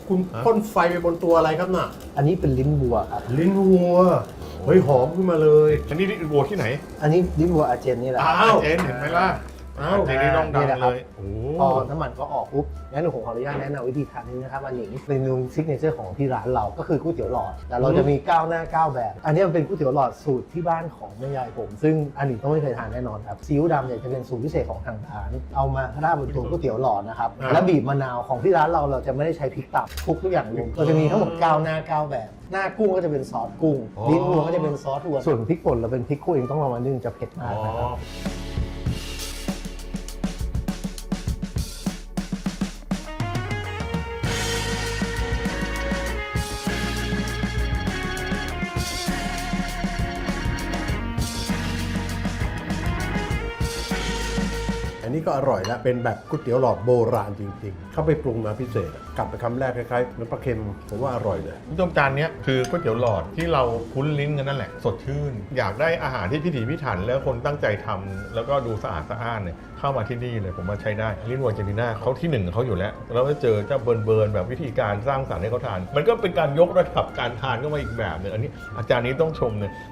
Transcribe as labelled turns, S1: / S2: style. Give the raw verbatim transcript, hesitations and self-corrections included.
S1: คุณพ่นไฟไปบนตัวอะไรครับน่ะ
S2: อันนี้เป็นลิ้นวัวครับ
S1: ลิ้นวัวเฮ้ยหอมขึ้นมาเลย
S3: อันนี้วัวที่ไหน
S2: อันนี้ลิ้นวัวอาเจนนี่แหละ
S1: อ้าว
S3: เจนเห็นไหมล่ะ
S1: อ้าว
S3: เจนนี่ต้องดัง
S2: นี่นะครับ
S3: เลยโอ้
S2: พอน้ำมันก็ออกปุ๊บงั้นผมขออนุญาตแนะนำวิธีทานนี้นะครับอันนี้เป็นเมนูซิกเนเจอร์ของที่ร้านเราก็คือก๋วยเตี๋ยวหลอดแต่เราจะมีเก้าหน้าเก้าแบบ อันนี้มันเป็นก๋วยเตี๋ยวหลอดสูตรที่บ้านของแม่ยายผม ซึ่งอันนี้ต้องไม่เคยทานแน่นอนครับซีอิ๊วดำเนี่ยจะเป็นสูตรพิเศษของทางร้านเอามาราดบนตัวก๋วยเตี๋ยวหลอดนะครับแล้วบีบมะนาวของที่ร้านเราเราจะไม่ได้ใช้พริกตับคลุกทุกอย่างรวมเราจะมีทั้งหมดเก้าหน้าเก้าแบบ หน้ากุ้งก็จะเป็นซอสกุ้งลิ้นวัวก็จะเป็นซอสวัวส่วนพริกป่นเราเป็นพริกคั่วเองต้องลองมานึ่งจะเผ็ดมากนะครับ
S1: อันนี้ก็อร่อยแล้วเป็นแบบก๋วยเตี๋ยวหลอดโบราณจริงๆ เข้าไปปรุงมาพิเศษอะกลับไปคำแรกคล้ายๆน้ำปลาเค็มผมว่าอร่อยเลย
S3: ผู้ชมจานนี้คือก๋วยเตี๋ยวหลอดที่เราคุ้นลิ้นกันนั่นแหละสดชื่น อยากได้อาหารที่พิถีพิถันแล้วคนตั้งใจทำแล้วก็ดูสะอาดสะอ้านเนี่ยเข้ามาที่นี่เลยผมว่าใช้ได้ลิ้นวัวเจนิน่าเขาที่หนึ่งของเขาอยู่แล้วแล้วก็เจอเจ้าเบิร์นเบิร์นแบบวิธีการสร้างสรรค์ให้เขาทาน มันก็เป็นการยกระดับการทานเข้ามาอีกแบบหนึงอันนี้อาจารย์นี้ต้องชมเลย